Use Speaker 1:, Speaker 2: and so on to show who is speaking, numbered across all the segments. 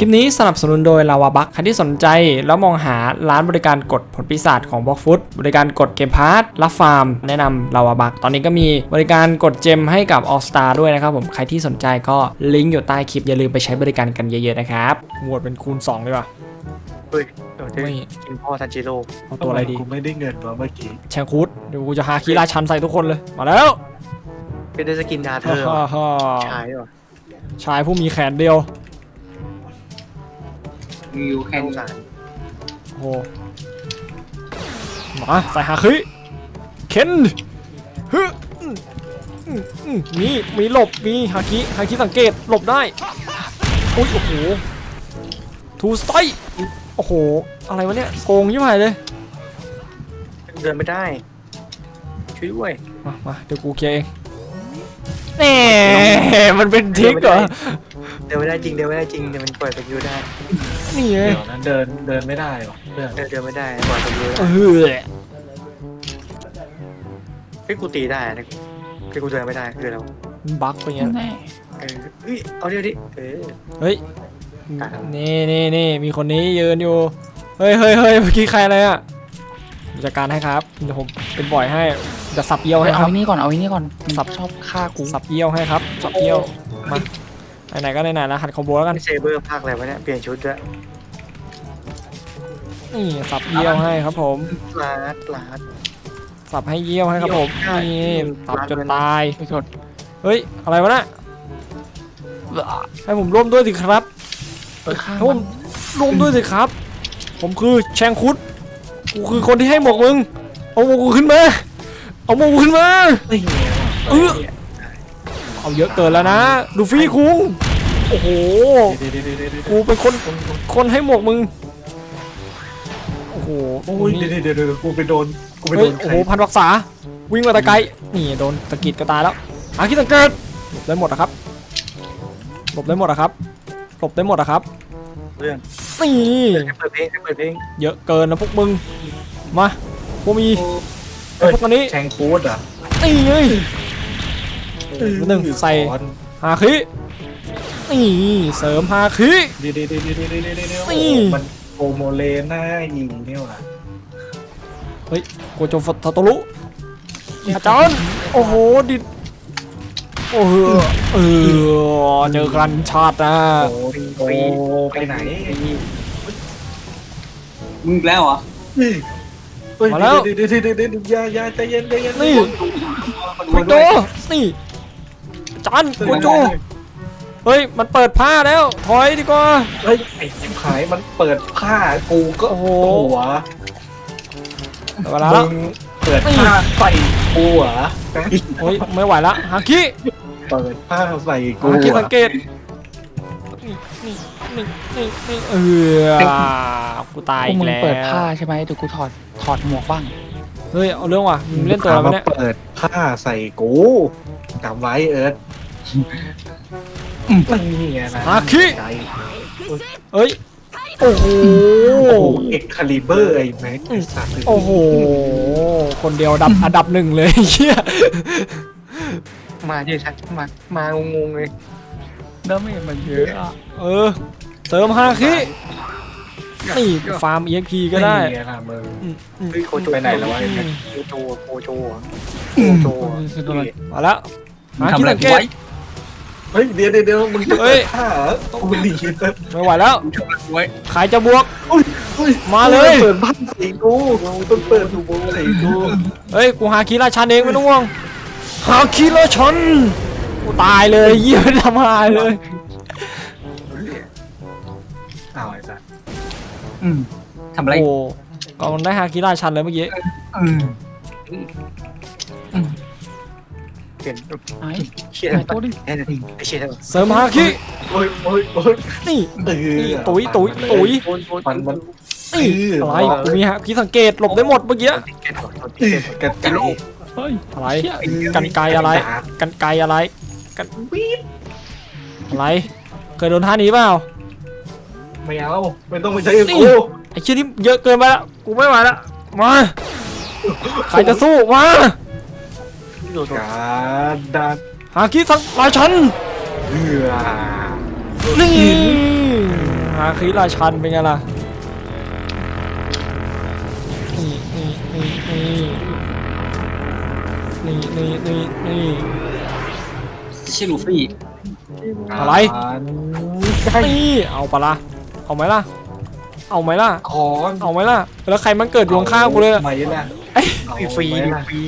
Speaker 1: คลิปนี้สนับสนุนโดยลาวาบัคใครที่สนใจแล้วมองหาร้านบริการกดผลปีศาจของบล็อกฟุตบริการกดเกมพาร์ทรับฟาร์มแนะนำลาวาบัคตอนนี้ก็มีบริการกดเจมให้กับ All Star ด้วยนะครับผมใครที่สนใจก็ลิงก์อยู่ใต้คลิปอย่าลืมไปใช้บริการกันเยอะๆนะครับโหวตเป็นคูณ2เลยว่ะ
Speaker 2: เฮ้ยเดี๋ยวจะกินพ่อทันจิโร่
Speaker 1: เอาตัวอะไรดี
Speaker 3: กูไม่ได้เงินมาเมื่อกี้
Speaker 1: แชงคูดเดี๋ยวกูจะหาคีราชันใส่ทุกคนเลยมาแล้ว
Speaker 2: เป็นได้สกินดาเธอ
Speaker 1: ฮ่า
Speaker 2: ชายว่ะ
Speaker 1: ชายผู้มีแขนเดียว
Speaker 4: มีอยู่แค่
Speaker 2: สง
Speaker 4: นี้
Speaker 2: สาร
Speaker 1: โอ้มาใส่ฮาคิเคนฮึมีหลบมีฮาคิสังเกตหลบได้อุ้ยโอ้โหทูสไตโอ้โหอะไรวะเนี่ยโกงยิ่งใหญ่เลย
Speaker 2: เดินไม่ได้ช่วยด้วย
Speaker 1: มาเดี๋ยวกูเคลียร์เองแน่มันเป็นทิกเหรอ
Speaker 2: เดินไม่ได้จริงเดินไม่ได้จริงเดี๋ยวมันปล่อยสกิลได้
Speaker 1: นี่ไง
Speaker 3: เดี๋ยวนั้นเดินไม่ได้หรอเพื่อน
Speaker 2: เดินไม่ได้ปล่อยสกิลได้
Speaker 1: เออ
Speaker 2: เฮ้ยกูตีได้นะคือกูเดินไม่ได้คือเรา
Speaker 1: บั๊กไปเงี้ย
Speaker 4: แน่
Speaker 2: เฮ้ยเอาเดี๋ยวดิ
Speaker 1: เฮ้ยนี่มีคนนี้ยืนอยู่เฮ้ยเมื่อกี้ใครอะไรอ่ะจัดการให้ครับเดี๋ยวผมเป็นบ่อยให้จะสับเยี่ยวให้ค
Speaker 4: เอา
Speaker 1: รับ
Speaker 4: ไอ้นี่ก่อนเอาไอ้นี่ก่อน
Speaker 1: สับ
Speaker 4: ชอบฆ่ากู
Speaker 1: สับเยี่ยวให้ครับสับเยี่ยวมาไหนๆก็ไหนๆแล้วหัดคอมโบแล้วกัน
Speaker 2: เซเบอร์ภาคอะไรวะเนี่ยเปลี่ยนชุดด้วย
Speaker 1: นี่สับเยี่ยวให้ครับผม
Speaker 2: ลาด
Speaker 1: สับให้เยี่ยวให้ครับผมนี่สับจนตาย
Speaker 4: ไปชด
Speaker 1: เฮ้ยอะไรวะน่ะให้ผมร่วมด้วยสิครับ
Speaker 4: ไปฆ่า
Speaker 1: ให้ผมร่วมด้วยสิครับ ผมคือแชงคุดกูคือคนที่ให้หมวกมึงเอาหมวกกูขึ้นมาเอาหมวกกูขึ้นมา
Speaker 3: ไม่เงี้ย
Speaker 1: เอาเยอะเกินแล้วนะลูฟี่คุงโอ้โหกูเป็นคนให้หมวกมึงโอ้โห
Speaker 3: โอ้ยเดี๋ยวกูไปโดน
Speaker 1: เฮ้ยโอ้โหพันวักษาวิ่งมาแต่ไกลนี่โดนตะกิดก็ตายแล้วอาคิดสังเกตหลบได้หมดนะครับหลบได้หมดนะครับหลบได้หมดนะครับ
Speaker 2: เรื่อง
Speaker 1: นี่
Speaker 2: เปิดเพลง
Speaker 1: เยอะเกินนะพวกมึงมาพวกมีไอ้พวกอันนี้
Speaker 3: แชงคูดอ่ะ
Speaker 1: นี่ไงหนึ่งใส่ฮาคินี่เสริมฮาคิ
Speaker 3: เดี๋ยวมันโอโมเลน่ายิงเนี่ยว่ะ
Speaker 1: เฮ้ยโกโจฟทาโตรุอาจารย์โอ้โหดิโอ้โหเจอกันชาตินะ
Speaker 3: โอ้ไปไหน
Speaker 4: มึงแล้วเหรอ
Speaker 3: เดี๋ยวอย่าใจเย็น
Speaker 1: นี่โกโจนี่อาจารย์โกโจเฮ้ยมันเปิดผ้าแล้วถอยดีกว่า
Speaker 3: เฮ้ยไอ้ชิบหายมันเปิดผ้ากูก็หัว
Speaker 1: เวลาแล้ว
Speaker 3: เปิดผ้าใส่กูเหรอ
Speaker 1: โอ้ยไม่ไหวละฮาคิ
Speaker 3: เปิดผ้าใส่กู
Speaker 1: ฮาคิสังเกตนี่กูตาย
Speaker 4: พว
Speaker 1: อี
Speaker 4: ก
Speaker 1: ก
Speaker 4: มึง
Speaker 1: แล้ว
Speaker 4: เปิดผ้าใช่ไหมเดี๋ยวกูถอดหมวกบ้าง
Speaker 1: เฮ้ยเอาเรื่องว่ะมึงเล่นตัวอะไรวะเนี่ย
Speaker 3: เปิดผ้าใส่กูจำไว้เอิร์ธนี่ไงนะ
Speaker 1: ฮาคิเอ้ยโอ้โห
Speaker 3: โอ้โหเอ็กคาลิเบอร์ไอ้แม็กไอ้สัตว์
Speaker 1: โอ้โหคนเดียวอันดับหนึ่งเลยเฮีย
Speaker 2: มาเดี๋ยวชัดมางงเลย
Speaker 4: เริ่มไม่เห็นมันเยอะอ่ะ
Speaker 1: เสริมฮาคินี่ฟาร์ม EXP ก็ได้
Speaker 3: นี่ไงล่ะมึง
Speaker 2: เฮ้ยโคโจ
Speaker 3: ไปไหนแล้ววะ
Speaker 2: โจ
Speaker 1: มาแล้วฮาคิสังเกต
Speaker 3: เฮ้ยเดี๋ยวมึงจะเปิดผ้าต้องไปหนีนะ
Speaker 1: ไม่ไหวแล้ว
Speaker 4: ไว้
Speaker 1: ใครจะบวก มาเลย
Speaker 3: เปิดผ้าใส่กูต้องเปิดถูกใส่กู
Speaker 1: เฮ้ยกูฮาคิราชันเองไม่ต้องห่วงฮาคิราชันกูตายเลยเยี่ยไม่ทำหายเลย
Speaker 3: อ้าวไอ้สัตว์
Speaker 4: ทำอะไร
Speaker 1: โอ้ก็มันได้ฮาคิราชันเลยเมื่อกี้
Speaker 2: เปลี่ยน
Speaker 4: ไอ้
Speaker 2: เชี่ย
Speaker 4: ไอ้ตัวดิ
Speaker 2: ไอ้เชี่ย
Speaker 1: เสริมฮาคิ
Speaker 3: โอ้ย
Speaker 1: นี่ นี่ตุ๋ย
Speaker 3: มัน
Speaker 1: นี่อะไรกูมีฮะคิสังเกตหลบได้หมดเมื่อกี้
Speaker 3: กระจาย
Speaker 4: เฮ้ย
Speaker 1: อะไรกันไกอะไรกันไกอะไรกันอะไรเคยโดนท่านี้เปล่า
Speaker 3: ไม่เอาไม่ต้องไปใช้กู
Speaker 1: ไอ้เชี่ยนี่เยอะเกินไปละกูไม่ไหวละมาใครจะสู้มา
Speaker 3: การดัน
Speaker 1: ฮาคิสังราชัน
Speaker 3: เหือ
Speaker 1: นี่หาคิราชันเป็นไงล่ะนี่นี่นี่นี่นี่นี่นี่
Speaker 4: ชื่อลูฟี่
Speaker 1: อะไร นี่เอาปะล่ะเอาไหมล่ะเอาไหมล่ะ
Speaker 3: คอน
Speaker 1: เอาไหมล่ะแล้วใครมันเกิดอยู่ข้างๆกูเลย
Speaker 3: ไหมล่ะ
Speaker 2: ฟรีฟรี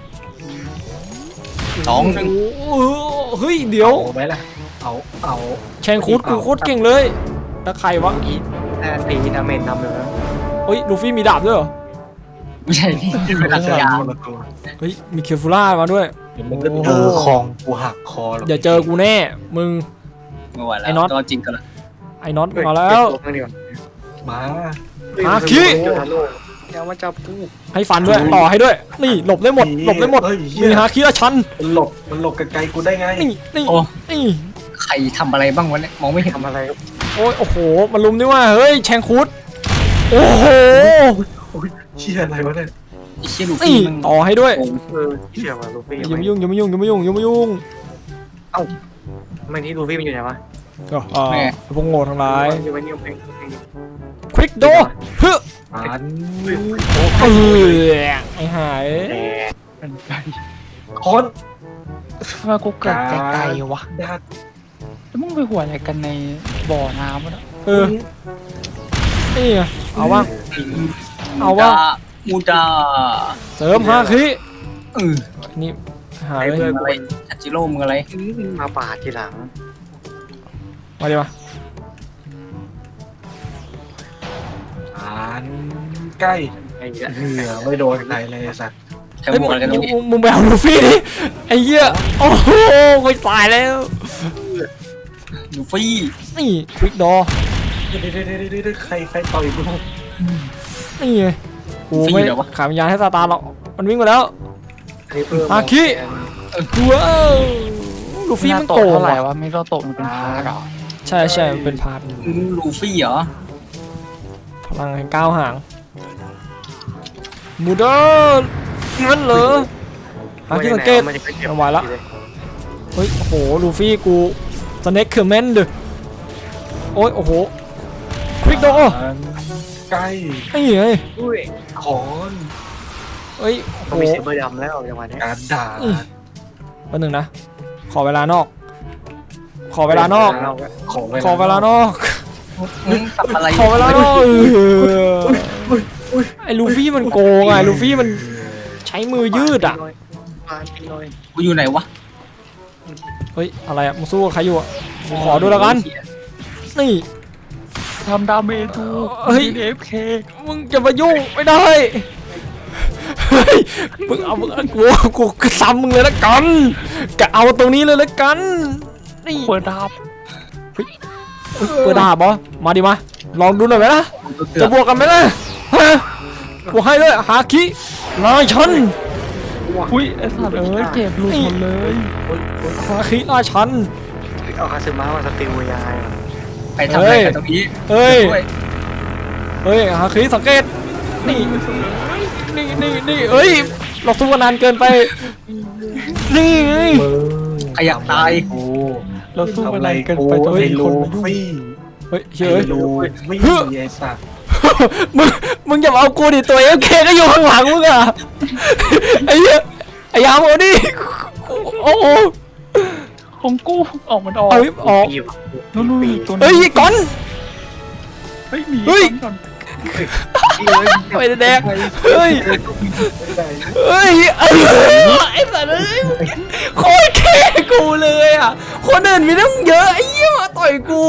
Speaker 4: 2-1
Speaker 1: โอ้โหเฮ้ยเดี๋ยว
Speaker 3: เอาไหมล่ะเอา
Speaker 1: แชงคูดกูโคตรเก่งเลยแล้วใครวะ
Speaker 2: ตีดาเมจนำเลยนะ
Speaker 1: เฮ้ยลูฟี่มีดาบด้วยเหรอ
Speaker 4: ไม่ใช่นี่เป็นลักษณะ
Speaker 3: คนละตัว
Speaker 1: เฮ้ยมีเคฟูล่ามาด้วย
Speaker 3: เดี๋ยวมึงก็เจอคองกูหักคอหรอก
Speaker 1: อย่าเจอกูแน่มึง
Speaker 4: ไม่ไหวแล้ว
Speaker 1: ไอ้น็อต
Speaker 4: ตัวจริงกันละ
Speaker 1: ไอ้น็อตมาแล้ว
Speaker 3: มา
Speaker 1: ฮาคิ
Speaker 2: อย่ามาจับกู
Speaker 1: ให้ฟันด้วยต่อให้ด้วย นี่หลบได้หมดหลบได้หมด
Speaker 3: เฮ้ย
Speaker 1: มีฮาคิราชัน
Speaker 3: มันหลบไกลๆกูได้ไง
Speaker 1: นี่นี่
Speaker 4: โอ้
Speaker 1: นี่
Speaker 4: ใครทำอะไรบ้างวะเนี่ยมองไม่เห็น
Speaker 2: ทำอะไร
Speaker 1: โอ้ยโอ้โหมันลุมนี่ว่าเฮ้ยแชงคูดโอ้โห
Speaker 3: โอ้ยเชี่ยอะไรวะเนี่ย
Speaker 4: ไอ้เชี่ยลู
Speaker 1: นี่
Speaker 4: ฟี่มัน
Speaker 1: ต่อให้ด้วย
Speaker 4: โกง
Speaker 2: เชี่ยว่ะลูฟี่
Speaker 1: อย่ามายุ่งอย่ามายุ่งอย่ามายุ่งอย่ามายุ่ง
Speaker 2: ไม่ที่ลูฟี่มันอยู่ไหนวะ
Speaker 1: พวกโง่ทั้งหลาย
Speaker 2: อยู่ไม่นิ่ง
Speaker 1: ควิกโดเฮ้ย
Speaker 3: อัน
Speaker 1: ไอ้หาย
Speaker 4: เป็นไง
Speaker 3: คอน
Speaker 4: ทำไมกูเกิดไกลๆวะ
Speaker 3: ดาด
Speaker 4: แล้วมึงไปหัวอะไรกันในบ่อน้ำวะเนี่ย
Speaker 1: นี่ไงเอาว่าเอาว่า
Speaker 4: มูดา
Speaker 1: เสริมฮาคิ นี่ หา
Speaker 2: ไอ้
Speaker 1: เลย
Speaker 2: เพื่อน
Speaker 4: อะไรทัจิโร่มึงอะไร
Speaker 2: มาปาดทีหลัง
Speaker 1: มาดิมา
Speaker 3: อันใกล้
Speaker 2: ไอ้เหี้ย
Speaker 3: เหนือไม่โดนใครเลยสัตว์
Speaker 4: แค่
Speaker 1: เฮ้ย
Speaker 4: บวกอะไรกันตรงนี้
Speaker 1: มึงไปเอาลูฟี่ดิไอ้เหี้ยโอ้โหกูตายแล้ว
Speaker 4: ลูฟี่
Speaker 1: นี่ควิกโด
Speaker 3: เดี๋ยวใครต่อยกู
Speaker 1: นี่ไงกูไม่ขายวิญญาณให้ซาตานหรอกมันวิ่งมาแล้ว ฮาคิ ว้าวลูฟี่มันโกง
Speaker 4: เท่าไหร่
Speaker 1: ว่ะ
Speaker 4: วะไม่โตะมันเป็นพาร์ทเหรอ
Speaker 1: ใช่ใช่มันเป็นพาร์ท
Speaker 4: ลูฟี่เหรอ
Speaker 1: พลังแห่งก้าวห่างมูเดอร์งั้นเหรอหาที่สังเกตเอาไว้ละเฮ้ยโอ้โหลูฟี่กูสเน็กคือแมนเด้อโอ้ยโอ้โหควิกโด
Speaker 3: ใกล้
Speaker 1: ไอ้ไง
Speaker 2: อุ้ย
Speaker 3: คอน
Speaker 1: เอ้ยโอ้
Speaker 2: ต้อง
Speaker 1: โห
Speaker 2: มีเซเบอร์ดำแล้วจังหวะนี้
Speaker 3: การด่า
Speaker 1: แป๊บนึงนะขอเวลานอก ขอเวลานอก ขอเวลานอก
Speaker 4: มึงทำอะไร
Speaker 1: ขอเวลานอกไอ้ลูฟี่มันโกงไงลูฟี่มันใช้มือยืดอ่ะ
Speaker 2: ปาดทีหน่อย
Speaker 4: กูอยู่ไหนวะ
Speaker 1: เฮ้ยอะไรอ่ะมึงสู้กับใครอยู่อ่ะกูขอดูแล้วกันนี่
Speaker 4: ทำดาเมจดู
Speaker 1: เฮ้ย
Speaker 4: เอฟเค
Speaker 1: มึงจะมายุ่งไม่ได้เฮ้ยมึงเอามึงกูซ้ำมึงเลยละกันกะเอาตรงนี้เลยละกันนี่
Speaker 4: เปิดดาบ
Speaker 1: เปิดดาบเหรอมาดิมาลองดูหน่อยไหมล่ะจะบวกกันไหมล่ะฮะกูให้เลยฮาคินายชัน
Speaker 4: อุ้ยไอ้สัตว์เอ้ยเจ็บหลุดหมดเลย
Speaker 1: ฮาคินายชัน
Speaker 2: เอาคาซึมะมาสติลยาย
Speaker 4: ไปทำอะไรกันตรงนี้
Speaker 1: เฮ้ย
Speaker 4: ช่วย
Speaker 1: เฮ้ยฮาคิสังเกตนี่นี่เอ้ยเราสู้กันนานเกินไปนี่ไง
Speaker 4: ใครอยากตาย
Speaker 3: กู
Speaker 4: เราสู้
Speaker 3: ทำ
Speaker 4: อะ
Speaker 3: อะไร ไร
Speaker 4: กัน
Speaker 3: กู
Speaker 4: ไปจน
Speaker 3: ไอ้
Speaker 4: มี
Speaker 3: ลู
Speaker 4: คนมายุ่ง
Speaker 3: ฟี่
Speaker 1: เฮ้ย
Speaker 3: ไอ้
Speaker 1: เฮ้ย
Speaker 3: ลูฟี่ไอ้สัตว์
Speaker 1: มึงอย่ามาเอากูดิตัวเอฟเคก็อยู่ข้างหลังมึงอะไอ้เหี้ยไอ้ยามเอาดิโอ้โห
Speaker 4: ของกูออกมันออก
Speaker 1: เอาออก
Speaker 4: นู่นๆตัว
Speaker 1: เฮ้ยก่อน
Speaker 4: เฮ้ยหนี
Speaker 1: เฮ้ย
Speaker 4: ก่อน
Speaker 1: ไปแดกเฮ้ยเฮ้ยไอ้สัตว์เอ้ยโคตรแค่กูเลยอ่ะคนอื่นมีตั้งเยอะไอ้เหี้ยมาต่อยกู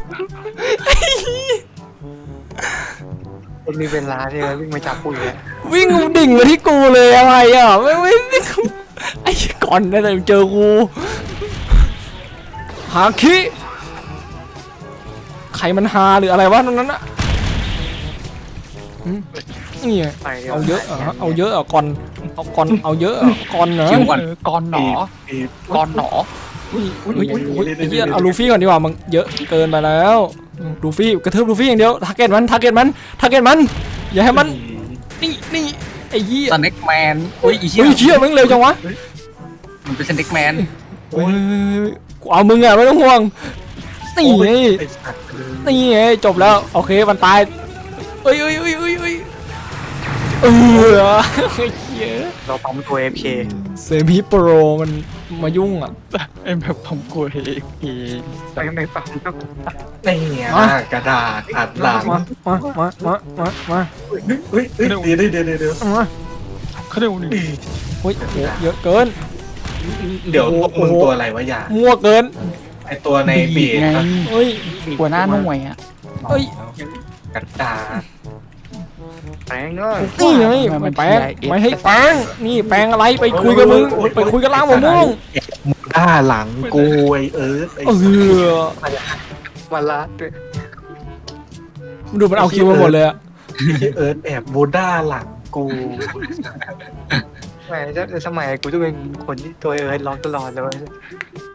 Speaker 2: มันมีเวลาใช่ไหมวิ่งมาจับกูเลย
Speaker 1: วิ่งดิ่งมาที่กูเลยอะไรอ่ะไม่ไอ้ก่อนได้แต่เจอกูหาคิใครมันหาหรืออะไรวะตรงนั้นอะนี่ไง
Speaker 2: ไปดี๋ว
Speaker 1: เอาเยอะเหรอเอาเยอะเหรอก่อนเอาก่อนเอาเยอะเหรอก่อนเหรอ
Speaker 4: คิวก่อนก่อนหนอก่อนหนอ
Speaker 1: อุ้ยไอ้เหี้ยเอาลูฟี่ก่อนดีกว่ามันเยอะเกินไปแล้วลูฟี่กระทืบลูฟี่อย่างเดียวทาร์เก็ตมันอย่าให้มันนี่ไอ้เหี้ย
Speaker 4: สเน็กแมนอุ้ยอีเชี่
Speaker 1: เฮ้ยเชี่ยมันเร็วจังวะ
Speaker 4: มันเป็นสเน็กแมน
Speaker 1: เฮ้ยกูเอามึงอะไม่ต้องห่วงนี่ไง
Speaker 3: ไอ้สัตว์เลย
Speaker 1: นี่ไงจบแล้วโอเคมันตายเอ้ยเออเหี้ย
Speaker 2: เราปั๊มตัว AFK
Speaker 1: เซมิโปรมันมายุ่งอ่ะ
Speaker 4: ไอ้แบบผมกลัวเอง
Speaker 2: ไม่ปั๊มก็
Speaker 3: นี่ไงกระดาษอัดหลัง
Speaker 1: มา
Speaker 3: เฮ้ยเดี๋ยว
Speaker 1: มา
Speaker 4: เขาเรียกว่าหนึ่ง
Speaker 1: โอ้ยโหเยอะเกิน
Speaker 3: เดี๋ยวพวกมึงตัวอะไรวะอย่า
Speaker 1: มั่วเกิน
Speaker 3: ไอตัวในเบีย
Speaker 4: ไง
Speaker 1: เฮ้ย
Speaker 4: หัวหน้าหน่วยอ่ะ
Speaker 1: เฮ้ย
Speaker 3: กระดาษ
Speaker 2: แปลงเนาะ
Speaker 1: นี่ไงไม่แปลงไม่ให้แปลงนี่แปลงอะไรไปคุยกับมึงไปคุยกับล้างมะม่วง
Speaker 3: ด้าหลังกูไอเอิร์ธไอ้
Speaker 1: เออ
Speaker 2: มาละด้วย
Speaker 1: ดูมันเอาคิวมาหมดเลยอะ
Speaker 3: เอิร์ธแอบโบด้าหลังกู
Speaker 2: แหมจะสมัยกูจะเป็นคนที่ตัวเอิร์ธร้องตลอดเลย